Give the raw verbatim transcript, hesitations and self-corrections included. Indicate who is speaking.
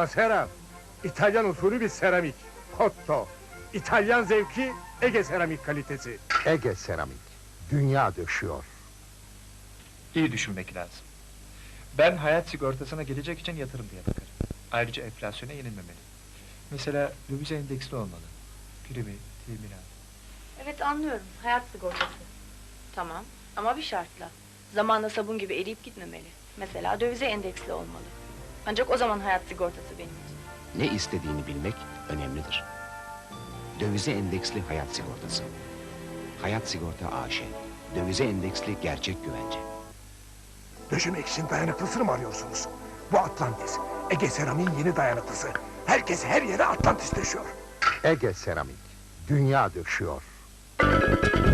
Speaker 1: Masera, İtalyan usulü bir seramik. Cotto, İtalyan zevki, Ege seramik kalitesi.
Speaker 2: Ege Seramik, dünya döşüyor.
Speaker 3: İyi düşünmek lazım. Ben hayat sigortasına gelecek için yatırım diye bakarım. Ayrıca enflasyona yenilmemeli. Mesela döviz endeksli olmalı. Primi, teminat.
Speaker 4: Evet anlıyorum, hayat sigortası. Tamam, ama bir şartla. Zamanla sabun gibi eriyip gitmemeli. Mesela dövize endeksli olmalı. Ancak o zaman hayat sigortası benim için.
Speaker 5: Ne istediğini bilmek önemlidir. Dövize endeksli hayat sigortası. Hayat Sigorta A Ş. Dövize endeksli gerçek güvence.
Speaker 1: Döşemek için dayanıklısını mı arıyorsunuz? Bu Atlantis, Ege seramiğin yeni dayanıklısı. Herkes her yere Atlantis döşüyor.
Speaker 2: Ege Seramik, dünya döşüyor.